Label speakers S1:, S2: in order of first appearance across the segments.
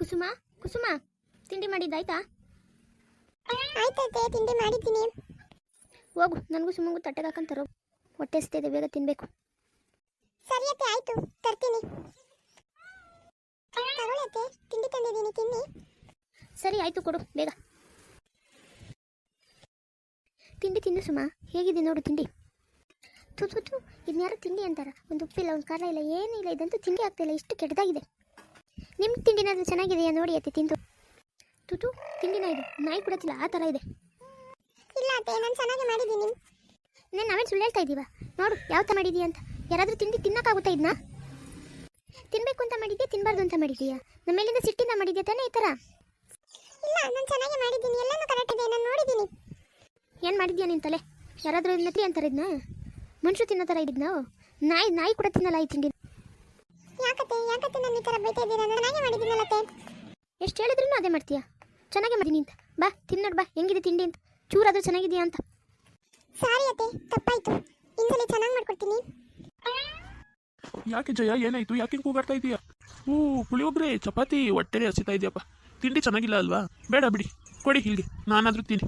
S1: ಕುಸುಮ ಕುಸುಮ ತಿಂಡಿ ಮಾಡಿದ್ದಾಯ್ತಾ?
S2: ಆಯ್ತೈತೆ, ತಿಂಡಿ ಮಾಡಿದ್ದೀನಿ.
S1: ಹೋಗು, ನನಗೂ ಸುಮ್ಮಂಗೂ ತಟ್ಟೆಗೆ ಹಾಕಂತಾರೋ, ಹೊಟ್ಟೆ ಹಸ್ತಿದೆ, ಬೇಗ ತಿನ್ಬೇಕು.
S2: ಸರಿ ಅತ್ತೆ, ಆಯ್ತು ತರ್ತೀನಿ. ತಗೊಳತ್ತೆ, ತಿಂಡಿ ತಂದಿದ್ದೀನಿ, ತಿನ್ನಿ.
S1: ಸರಿ ಆಯ್ತು, ಕೊಡು ಬೇಗ. ತಿಂಡಿ ತಿನ್ನು ಸುಮ, ಹೇಗಿದೆ ನೋಡು ತಿಂಡಿ. ತು ತು ತು, ಇದನ್ಯಾರು ತಿಂಡಿ ಅಂತಾರ? ಒಂದು ಉಪ್ಪಿಲ್ಲ, ಒಂದು ಖಾರ ಇಲ್ಲ, ಏನೂ ಇಲ್ಲ, ಇದಂತೂ ತಿಂಡಿ ಆಗ್ತಾಯಿಲ್ಲ, ಇಷ್ಟು ಕೆಟ್ಟದಾಗಿದೆ. ನಿಮ್ಮ ತಿಂಡಿನಾದ್ರೂ ಚೆನ್ನಾಗಿದೆಯಾ ನೋಡಿ ಅತ್ತೆ, ತಿಂದು. ತುತು, ತಿಂಡಿನ ಇದು ನಾಯಿ ಕೊಡತ್ತಿಲ್ಲ ಆ ಥರ ಇದೆ.
S2: ಇಲ್ಲ ಅತ್ತೆ, ನಾನು ಚೆನ್ನಾಗಿ ಮಾಡಿದ್ದೀನಿ.
S1: ನಾವೇನು ಸುಳ್ಳು ಹೇಳ್ತಾ ಇದ್ದೀವ? ನೋಡು ಯಾವ ಥರ ಮಾಡಿದೀಯ ಅಂತ. ಯಾರಾದರೂ ತಿಂಡಿ ತಿನ್ನೋಕ್ಕಾಗುತ್ತಾ ಇದನ್ನ? ತಿನ್ನಬೇಕು ಅಂತ ಮಾಡಿದ್ಯಾ, ತಿನ್ನಬಾರ್ದು ಅಂತ ಮಾಡಿದೀಯಾ? ನಮ್ಮ ಮೇಲಿಂದ ಸಿಟ್ಟಿಂದ ಮಾಡಿದ್ಯಾ ತಾನೇ ಈ ಥರ?
S2: ಇಲ್ಲ, ನಾನು ಚೆನ್ನಾಗಿ ಮಾಡಿದ್ದೀನಿ, ಎಲ್ಲನೂ ಕರೆಕ್ಟ್ ಇದೆ, ನಾನು ನೋಡಿದ್ದೀನಿ.
S1: ಏನು ಮಾಡಿದ್ಯಾ ನಿನ್ನ ತಲೆ? ಯಾರಾದರೂ ನತ್ರಿ ಅಂತಾರೆ ಇದನ್ನ? ಮನುಷ್ಯರು ತಿನ್ನೋ ಥರ ಇದ್ದಿದ್ದು ನಾವು? ನಾಯಿ ಕೂಡ ತಿನ್ನಲ್ಲ ಈ ತಿಂಡಿ.
S2: ಯಾಕತ್ತೆ ನಾನು ಈ ಥರ ಬೈತಾ ಇದ್ದೀರಾ? ನಾನು ಚೆನ್ನಾಗಿ ಮಾಡಿದ್ದೀನಲ್ಲತ್ತೆ.
S1: ಎಷ್ಟು ಹೇಳಿದ್ರೂ ಅದೇ ಮಾಡ್ತೀಯಾ? ಚೆನ್ನಾಗೇ ಮಾಡಿದ್ದೀನಿ ಅಂತ. ಬಾ ತಿನ್ನೋಡು, ಬಾ ಹೆಂಗಿದೆ ತಿಂಡಿ ಅಂತ, ಚೂರಾದರೂ ಚೆನ್ನಾಗಿದೆಯಾ ಅಂತ.
S2: ಸಾರಿ ಅತ್ತೆ, ತಪ್ಪಾಯ್ತು, ಇನ್ನೊಂದ್ಸಲಿ ಚೆನ್ನಾಗಿ ಮಾಡ್ಕೊಡ್ತೀನಿ.
S3: ಯಾಕೆ ಜಯ, ಏನಾಯ್ತು? ಯಾಕೆ ಕೂಗಾಡ್ತಾ ಇದೀಯಾ? ಪುಳಿಯೋಗ್ರೆ ಚಪಾತಿ ಹೊಟ್ಟೆಲೆ ಹಸಿತಾ ಇದೆಯಪ್ಪ. ತಿಂಡಿ ಚೆನ್ನಾಗಿಲ್ಲ ಅಲ್ವಾ? ಬೇಡ ಬಿಡಿ, ಕೊಡಿ ಇಲ್ಲಿಗೆ, ನಾನಾದರೂ ತಿನ್ನಿ.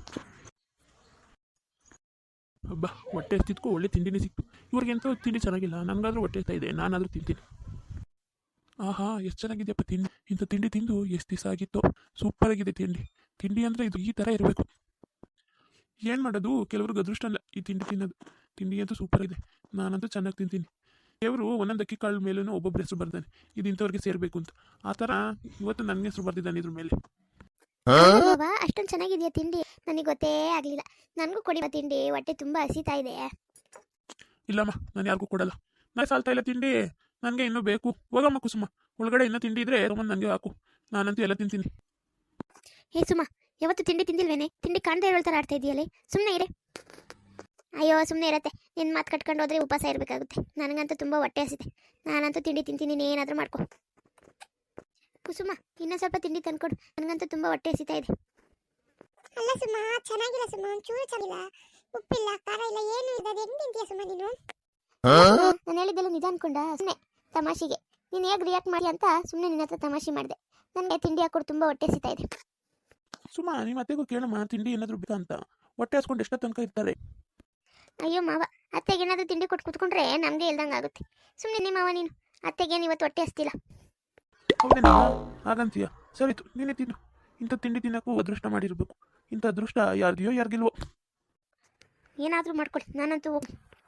S3: ಹಬ್ಬ, ಹೊಟ್ಟೆ ಹಸ್ತಿದ್ಕೋ ಒಳ್ಳೆ ತಿಂಡಿನೇ ಸಿಕ್ತು. ಇವ್ರಿಗೆಂತೂ ತಿಂಡಿ ಚೆನ್ನಾಗಿಲ್ಲ, ನನಗಾದ್ರೂ ಹೊಟ್ಟೆ ಹಸ್ತಾ ಇದೆ, ನಾನಾದರೂ ತಿಂತೀನಿ. ಆಹಾ, ಎಷ್ಟು ಚೆನ್ನಾಗಿದೆಯಪ್ಪ ತಿಂಡಿ. ಇಂಥ ತಿಂಡಿ ತಿಂದು ಎಷ್ಟು ದಿವಸ ಆಗಿತ್ತು. ಸೂಪರ್ ಆಗಿದೆ ತಿಂಡಿ ಅಂದರೆ ಇದು ಈ ಥರ ಇರಬೇಕು. ಏನು ಮಾಡೋದು, ಕೆಲವ್ರಿಗೆ ಅದೃಷ್ಟ ಅಲ್ಲ ಈ ತಿಂಡಿ ತಿನ್ನೋದು. ತಿಂಡಿ ಅಂತೂ ಸೂಪರ್ ಇದೆ, ನಾನಂತೂ ಚೆನ್ನಾಗಿ ತಿಂತೀನಿ. ದೇವರು ಒಂದೊಂದು ಅಕ್ಕಿ ಕಾಳು ಮೇಲೂ ಒಬ್ಬೊಬ್ಬರ ಹೆಸರು ಬರ್ತಾನೆ, ಇದು ಇಂಥವ್ರಿಗೆ ಸೇರಬೇಕು ಅಂತ. ಆ ಥರ ಇವತ್ತು ನನಗೆ ಹೆಸರು ಬರ್ದಿದ್ದಾನೆ ಇದ್ರ ಮೇಲೆ.
S1: ಅಷ್ಟೊಂದು ಚೆನ್ನಾಗಿದೆಯಾ ತಿಂಡಿ? ನನಗೆ ಗೊತ್ತೇ ಆಗಲಿಲ್ಲ. ನನಗೂ ಕೊಡಿ ತಿಂಡಿ, ಹೊಟ್ಟೆ ತುಂಬ ಹಸಿತಾ ಇದೆ.
S3: ಇಲ್ಲಮ್ಮ, ನಾನು ಯಾರಿಗೂ ಕೊಡಲ್ಲ. ನಾನು ಸಾಲ್ತಾ ಇಲ್ಲ ತಿಂಡಿ, ನನಗೆ ಇನ್ನೂ ಬೇಕು. ಹೋಗಮ್ಮ ಕುಸುಮ, ಒಳಗಡೆ ಇನ್ನೂ ತಿಂಡಿ ಇದ್ರೆ ತೊಗೊಂಡು ನನಗೆ ಹಾಕು, ನಾನಂತೂ ಎಲ್ಲ ತಿಂತೀನಿ.
S1: ಹೇ ಸುಮ, ಯಾವತ್ತು ತಿಂಡಿ ತಿಂದಿಲ್ವೇನೆ? ತಿಂಡಿ ಕಾಣ್ದೇ ಇರೋ ಥರ ಆಡ್ತಾ ಇದೆಯಲ್ಲೇ, ಸುಮ್ಮನೆ ಇರೇ. ಅಯ್ಯೋ ಸುಮ್ಮನೆ ಇರತ್ತೆ, ನಿನ್ನ ಮಾತು ಕಟ್ಕೊಂಡು ಹೋದ್ರೆ ಉಪವಾಸ ಇರಬೇಕಾಗುತ್ತೆ. ನನಗಂತೂ ತುಂಬ ಹೊಟ್ಟೆ ಹಸಿದೆ, ನಾನಂತೂ ತಿಂಡಿ ತಿಂತೀನಿ, ನೀನೇನಾದರೂ ಮಾಡ್ಕೊ. ಕುಸುಮ, ಇನ್ನೂ ಸ್ವಲ್ಪ ತಿಂಡಿ ತಂದ್ಕೊಡು, ನನಗಂತೂ ತುಂಬ ಹೊಟ್ಟೆ ಹಸಿತಾ ಇದೆ.
S2: ಅಲ್ಲ ಸುಮ್ಮ, ಚೆನ್ನಾಗಿಲ್ಲ ಸುಮ್ಮ, ಒಂಚೂರು ಚೆನ್ನಾಗಿಲ್ಲ, ಉಪ್ಪಿಲ್ಲ, ಖಾರ ಇಲ್ಲ, ಏನು ಇಲ್ಲ, ಅದು ಹೆಂಗೆ ತಿಂತೀಯ ಸುಮ್ಮ ನೀನು?
S1: ನಾನು ಹೇಳಿದ್ದೆಲ್ಲ ನಿಜ ಅನ್ಕೊಂಡ? ಸುಮ್ಮನೆ ತಮಾಷೆಗೆ ನೀನು ಹೇಗೆ ರಿಯಾಕ್ಟ್ ಮಾಡಿ ಅಂತ ಸುಮ್ಮನೆ ನಿನ್ನ ಹತ್ರ ತಮಾಷೆ ಮಾಡಿದೆ. ನನಗೆ ತಿಂಡಿ ಹಾಕೊಡು, ತುಂಬ ಹೊಟ್ಟೆ ಹಸಿತಾ ಇದೆ.
S3: ಸುಮ್ಮ, ನಿಮ್ಮ ಅತ್ತೆಗೂ ಕೇಳಮ್ಮ, ತಿಂಡಿ ಏನಾದರೂ ಬೇಕಾ ಅಂತ. ಹೊಟ್ಟೆ ಹಸ್ಕೊಂಡು ಎಷ್ಟೋ ತನಕ ಇರ್ತಾರೆ.
S1: ಅಯ್ಯೋ ಮಾವ, ಅತ್ತೆಗೆ ಏನಾದರೂ ತಿಂಡಿ ಕೊಟ್ಟು ಕೂತ್ಕೊಂಡ್ರೆ ನಮಗೆ ಇಲ್ದಂಗೆ ಆಗುತ್ತೆ. ಸುಮ್ಮನೆ ಮಾವ ನೀನು, ಅತ್ತೆಗೇನು ಇವತ್ತು ಹೊಟ್ಟೆ ಹಸ್ತಿಲ್ಲ.
S3: ಹೌದೇನಾ? ಹಾಗಂತೀಯ? ಸರಿತು, ನೀನೇ ತಿನ್ನು. ಇಂಥ ತಿಂಡಿ ತಿನ್ನೋಕ್ಕೂ ಅದೃಷ್ಟ ಮಾಡಿರ್ಬೇಕು. ಇಂಥ ಅದೃಷ್ಟ ಯಾರ್ದಿಯೋ ಯಾರಿಗಿಲ್ವೋ.
S1: ಏನಾದರೂ ಮಾಡ್ಕೊಡಿ, ನಾನಂತೂ ಹೋಗಿ.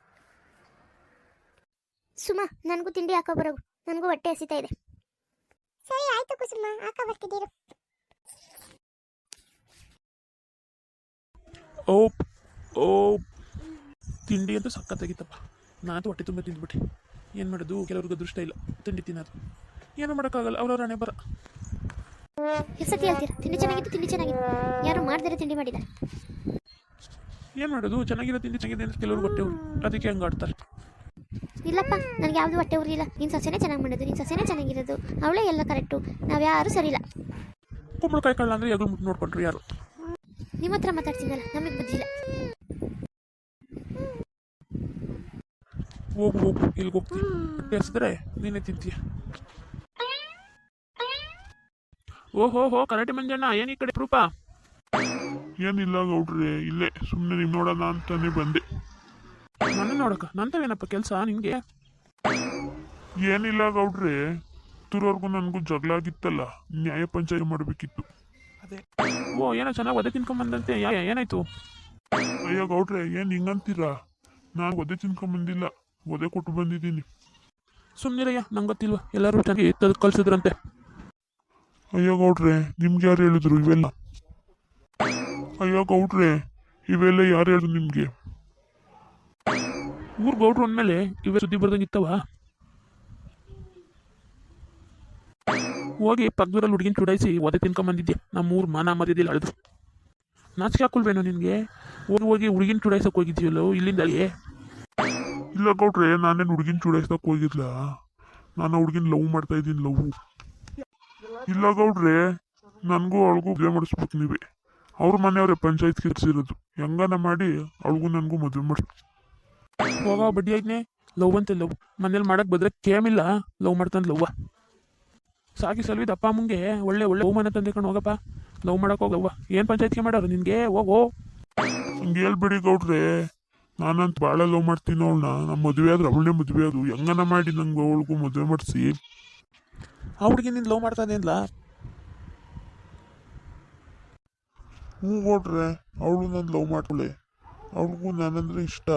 S1: ಸುಮ, ನನಗೂ ತಿಂಡಿ ಹಾಕೋ ಬರೋಗು, ನನಗೂ ಹೊಟ್ಟೆ ಹಸಿತಾ ಇದೆ.
S2: ಸರಿ ಆಯ್ತು ಕುಸುಮ, ಹಾಕ ಬರ್ತಿದ್ದೀರು.
S3: ಓ ತಿಂಡಿ ಅಂತೂ ಸಖತ್ತಾಗಿತ್ತಪ್ಪ. ನಾನಂತೂ ಹೊಟ್ಟೆ ತುಂಬ ತಿಂದ್ಬಿಟ್ಟೆ. ಏನು ಮಾಡೋದು, ಕೆಲವ್ರಿಗೆ ಅದೃಷ್ಟ ಇಲ್ಲ ತಿಂಡಿ ತಿನ್ನೋದು. ಏನೂ ಮಾಡೋಕ್ಕಾಗಲ್ಲ, ಅವ್ರವ್ರ ಹಣೆ ಬರ.
S1: ಎಷ್ಟು ಹೇಳ್ತೀರಾ? ತಿಂಡಿ ಚೆನ್ನಾಗಿತ್ತು. ಯಾರು ಮಾಡ್ದಿರೋ ತಿಂಡಿ ಮಾಡಿದ್ದಾರೆ.
S3: ಏನು ಮಾಡೋದು, ಚೆನ್ನಾಗಿರೋ ತಿಂಡಿ ಚೆನ್ನಾಗಿದೆ ಅಂತ ಕೆಲವ್ರಿಗೆ ಹೊಟ್ಟೆ ಉರಿ, ಅದಕ್ಕೆ ಹಂಗೆ ಆಡ್ತಾರೆ.
S1: ಇಲ್ಲಪ್ಪ, ನನಗೆ ಯಾವುದು ಹೊಟ್ಟೆ ಉರಿಯಿಲ್ಲ. ನಿನ್ನ ಸೊಸೆನೇ ಚೆನ್ನಾಗಿ ಮಾಡೋದು, ನಿನ್ನ ಸೊಸೆನೇ ಚೆನ್ನಾಗಿರೋದು, ಅವಳೇ ಎಲ್ಲ ಕರೆಕ್ಟು, ನಾವು ಯಾರು ಸರಿ ಇಲ್ಲ.
S3: ಕುಂಬಳಕಾಯಿ ಕಳ್ಳ ಅಂದರೆ ಯಾರು ಮುಟ್ಟು ನೋಡ್ಕೊಂಡ್ರು ಯಾರು?
S1: ನಿಮ್ಮ ಹತ್ರ ಮಾತಾಡ್ತೀನಲ್ಲ, ನಮಗೆ ಬುದ್ಧಿಲ್ಲ.
S3: ಹೋಗು ಇಲ್ಲಿಗೆ ಹೋಗ್ತೀನಿ. ಹೊಟ್ಟೆ ಹಸಿದ್ರೆ ನೀನೇ ತಿಂತೀಯ. ಓಹೋ ಕರಾಟೆ ಮಂಜಣ್ಣ, ಏನು ಈ ಕಡೆ ರೂಪ?
S4: ಏನಿಲ್ಲ ಗೌಡ್ರೆ, ಇಲ್ಲೇ ಸುಮ್ಮನೆ ನಿಮ್ ನೋಡೋಣ ಅಂತಾನೆ ಬಂದೆ.
S3: ನನ್ನ ನೋಡಕ್ಕ ನಂತವೇನಪ್ಪ ಕೆಲಸ ನಿಂಗೆ?
S4: ಏನಿಲ್ಲ ಗೌಡ್ರೆ, ತುರವರೆಗೂ ನನಗೂ ಜಗಳ ಆಗಿತ್ತಲ್ಲ, ನ್ಯಾಯ ಪಂಚಾಯತ್ ಮಾಡಬೇಕಿತ್ತು.
S3: ಅದೇ ಏನೋ ಚೆನ್ನಾಗಿ ಒದೆ ತಿನ್ಕೊಂಬಂದಂತೆ, ಏನಾಯ್ತು?
S4: ಅಯ್ಯ ಗೌಡ್ರೆ, ಏನು ಹಿಂಗಂತೀರಾ? ನಾನು ಒದೆ ತಿನ್ಕೊಂಬಂದಿಲ್ಲ, ಒದೆ ಕೊಟ್ಟು ಬಂದಿದ್ದೀನಿ.
S3: ಸುಮ್ಮನಿರಯ್ಯ, ನಂಗೆ ಗೊತ್ತಿಲ್ವ, ಎಲ್ಲರೂ ಚೆನ್ನಾಗಿ ತೆಗೆದು ಕಳ್ಸಿದ್ರಂತೆ.
S4: ಅಯ್ಯ ಗೌಡ್ರೆ, ನಿಮ್ಗೆ ಯಾರು ಹೇಳಿದ್ರು ಇವೆಲ್ಲ? ಅಯ್ಯ ಗೌಡ್ರೆ, ಇವೆಲ್ಲ ಯಾರು ಹೇಳಿದ್ರು ನಿಮ್ಗೆ?
S3: ಊರ್ ಗೌಡ್ರು ಅಂದಮೇಲೆ ಇವೇ ಸುದ್ದಿ ಬರ್ದಂಗಿತ್ತವ. ಹೋಗಿ ಪಕ್ಕದೂರಲ್ಲಿ ಹುಡುಗಿನ ಚುಡಾಯಿಸಿ ಒದೆ ತಿನ್ಕೊಂಬಂದಿದ್ಯಾ. ನಮ್ಮೂರು ಮಾನ ಮರ್ಯಾದಿಲ್ಲ ಅಳಿದ್ರು. ನಾಚಿಕೆ ಹಾಕೊಳ್ವೇನೋ ನಿನಗೆ? ಹೋಗಿ ಹುಡುಗಿನ ಚುಡಾಯಿಸಕ್ಕೆ ಹೋಗಿದ್ಯಲ್ಲೋ ಇಲ್ಲಿಂದಲೇ?
S4: ಇಲ್ಲ ಗೌಡ್ರೆ, ನಾನೇನು ಹುಡುಗಿನ ಚೂಡಾಯಿಸಕ್ಕೆ ಹೋಗಿಲ್ಲ, ನಾನು ಹುಡುಗಿನ ಲವ್ ಮಾಡ್ತಾ ಇದ್ದೀನಿ, ಲವ್. ಇಲ್ಲ ಗೌಡ್ರೆ, ನನಗೂ ಅವಳಿಗೂ ಮದುವೆ ಮಾಡಿಸ್ಬೇಕು ನೀವೇ. ಅವ್ರ ಮನೆಯವ್ರೆ ಪಂಚಾಯತ್ ಕಿರ್ಸಿರೋದು, ಹೆಂಗನ ಮಾಡಿ ಅವಳಿಗೂ ನನಗೂ ಮದುವೆ ಮಾಡಿಸ್.
S3: ಹೋಗ ಬಡ್ಡಿ ಆಯ್ತನೆ, ಲವ್ ಅಂತೆ ಲವ್. ಮನೇಲಿ ಮಾಡಕ್ಕೆ ಬಂದ್ರೆ ಕೇಮಿಲ್ಲ, ಲವ್ ಮಾಡ್ತಾನೆ ಲವ್ವ. ಸಾಕಿ ಸಲ್ವಿದ ಅಪ್ಪ ಅಮ್ಮಂಗೆ ಒಳ್ಳೆ ಒಳ್ಳೆ ಬಹುಮಾನ ತಂದೇಕೊಂಡು ಹೋಗಪ್ಪ. ಲವ್ ಮಾಡಕ್ಕೆ ಹೋಗವ್ವ. ಏನು ಪಂಚಾಯತ್ಗೆ ಮಾಡೋರು ನಿನಗೆ? ಹೋಗೋ.
S4: ಹಂಗೆ ಹೇಳ್ಬಿಡಿ ಗೌಡ್ರೆ, ನಾನಂತ ಭಾಳ ಲವ್ ಮಾಡ್ತೀನಿ ಅವಳನ್ನ. ನಮ್ಮ ಮದುವೆ ಆದ್ರೆ ಅವಳನ್ನೇ ಮದುವೆ ಅದು ಹೆಂಗನ ಮಾಡಿ ನಂಗೆ ಅವಳಿಗೂ ಮದುವೆ ಮಾಡಿಸಿ.
S3: ಆ ಹುಡುಗಿ ನಿನ್ನ ಲವ್ ಮಾಡ್ತಾ ಇದೇನಿಲ್ಲ?
S4: ಹ್ಞೂ ಗೌಡ್ರೆ, ಅವಳು ನಾನು ಲವ್ ಮಾಡ್ಕೊಳ್ಳೆ. ಅವಳಿಗೂ ನಾನಂದ್ರೆ ಇಷ್ಟ.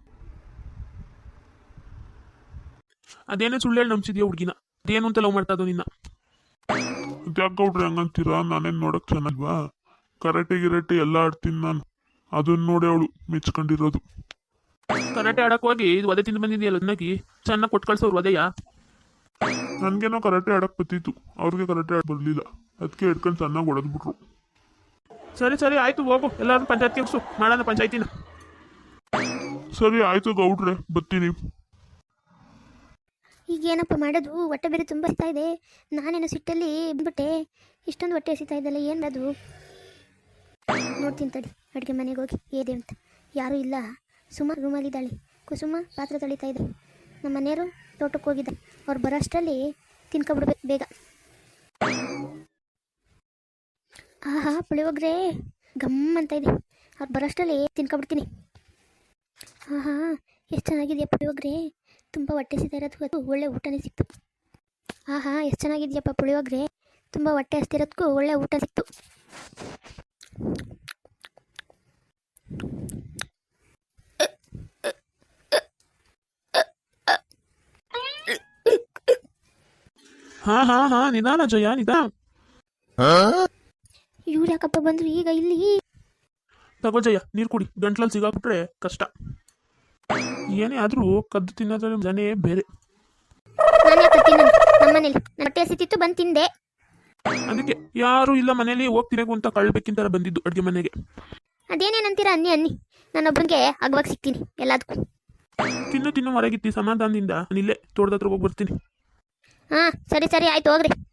S3: ಅದೇನೇ ಸುಳ್ಳು ಹೇಳಿ ನಂಬಿಸಿದ್ಯಾ ಹುಡುಗಿನ? ಅದೇನು ಅಂತ ಲವ್ ಮಾಡ್ತಾ ಇದ್ದೋ ನಿನ್ನ?
S4: ಅದ್ಯಾಕೆ ಗೌಡ್ರೆ ಹಂಗಂತೀರಾ? ನಾನೇನು ನೋಡಕ್ ಚೆನ್ನಾಗಿಲ್ವಾ? ಕರಾಟೆ ಗಿರಾಟೆ ಎಲ್ಲ ಆಡ್ತೀನಿ ನಾನು. ಅದನ್ನ ನೋಡಿ ಅವಳು ಮೆಚ್ಕೊಂಡಿರೋದು.
S3: ಕರಾಟೆ ಆಡಕ್ಕೆ ಹೋಗಿ ಇದು ಒದೆ ತಿಂದು ಬಂದಿದೆಯಲ್ಲ ಅದನ್ನಾಗಿ ಚೆನ್ನಾಗಿ ಕೊಟ್ಟು ಕಳ್ಸೋರು ಒದೆಯ.
S4: ನನಗೇನೋ ಕರಾಟೆ ಆಡಕ್ಕೆ ಬತ್ತಿತ್ತು, ಅವ್ರಿಗೆ ಕರಾಟೆ ಆಡ ಬರಲಿಲ್ಲ. ಅದಕ್ಕೆ ಹಿಡ್ಕೊಂಡು ಚೆನ್ನಾಗಿ ಹೊಡೆದ್ಬಿಟ್ರು.
S3: ಸರಿ ಸರಿ ಆಯ್ತು, ಹೋಗು. ಎಲ್ಲರೂ ಪಂಚಾಯತ್ಗೆ ಹೋಗ್ಸು, ಮಾಡೋಣ ಪಂಚಾಯತಿನ.
S4: ಸರಿ ಆಯ್ತು ಗೌಡ್ರೆ, ಬರ್ತೀನಿ.
S1: ಈಗ ಏನಪ್ಪ ಮಾಡೋದು? ಹೊಟ್ಟೆ ಬೇರೆ ತುಂಬ ಹಸಿತಾ ಇದೆ. ನಾನೇನು ಸಿಟ್ಟಲ್ಲಿ ಬಂದ್ಬಿಟ್ಟೆ. ಇಷ್ಟೊಂದು ಹೊಟ್ಟೆ ಹಸಿತಾ ಇದ್ದಲ್ಲ, ಏನು ಅದು? ನೋಡ್ತೀನಿ ತಡಿ, ಅಡುಗೆ ಮನೆಗೆ ಹೋಗಿ ಏದೆ ಅಂತ. ಯಾರೂ ಇಲ್ಲ. ಸುಮ ರೂಮಲ್ಲಿದ್ದಾಳೆ. ಕುಸುಮ ಪಾತ್ರೆ ತೊಳಿತಾ ಇದೆ. ನಮ್ಮ ಮನೆಯವರು ತೋಟಕ್ಕೆ ಹೋಗಿದ್ದಾರೆ. ಅವ್ರು ಬರೋ ಅಷ್ಟರಲ್ಲಿ ತಿನ್ಕೊಬಿಡ್ಬೇಕು ಬೇಗ. ಆಹಾ, ಪುಳಿಯೋಗರೆ ಗಮ್ ಅಂತ ಇದೆ. ಅವ್ರು ಬರೋ ಅಷ್ಟರಲ್ಲಿ ತಿನ್ಕೊಬಿಡ್ತೀನಿ. ಆಹಾ, ಎಷ್ಟು ಚೆನ್ನಾಗಿದೆಯಾ ಪುಳಿಯೋಗರೆ. ತುಂಬ ಹೊಟ್ಟೆ ಹಸಿತಾ ಇರೋದಕ್ಕೂ ಒಳ್ಳೆ ಊಟನೇ ಸಿಕ್ತು. ಆಹಾ, ಎಷ್ಟು ಚೆನ್ನಾಗಿದೆಯಪ್ಪ ಪುಳಿಯೋಗರೆ. ತುಂಬ ಹೊಟ್ಟೆ ಹಸ್ತಿರೋದಕ್ಕೂ ಒಳ್ಳೆ ಊಟ ಸಿಕ್ತು.
S3: ಹಾ ನಿಧಾನ ಜಯ, ನಿಧಾನ.
S1: ಇವ್ರು ಯಾಕಪ್ಪ ಬಂದ್ರು ಈಗ ಇಲ್ಲಿ?
S3: ತಗೋ ಜಯ, ನೀರು ಕುಡಿ. ಗಂಟ್ಲಲ್ಲಿ ಸಿಗಾಕ್ಬಿಟ್ರೆ ಕಷ್ಟ. ಏನೇ ಆದರೂ ಕದ್ದು ತಿನ್ನೋದ್ರ ಜನೇ ಬೇರೆ.
S1: ನಾನು ಯಾಕೆ ತಿನ್ನ? ನಮ್ಮ ಮನೇಲಿ ನನ್ನ ಹೊಟ್ಟೆ ಹಸಿತಿತ್ತು, ಬಂದು ತಿಂದೆ.
S3: ಅದಕ್ಕೆ ಯಾರು ಇಲ್ಲ ಮನೇಲಿ ಹೋಗ್ತಿರಬೇಕು ಅಂತ ಕಳ್ಬೇಕಿಂತ ಬಂದಿದ್ದು ಅಡುಗೆ ಮನೆಗೆ.
S1: ಅದೇನೇನಂತೀರ ಅನ್ನಿ ಅನ್ನಿ. ನಾನೊಬ್ಬನಿಗೆ ಅಗವಾಗ ಸಿಗ್ತೀನಿ ಎಲ್ಲದಕ್ಕೂ.
S3: ತಿನ್ನು ಹೊರಗಿತ್ತಿ ಸಮಾಧಾನದಿಂದ. ಇಲ್ಲೇ ತೋಟದ ಹತ್ರ ಹೋಗಿ ಬರ್ತೀನಿ.
S1: ಹಾಂ ಸರಿ ಸರಿ ಆಯ್ತು, ಹೋಗ್ರಿ.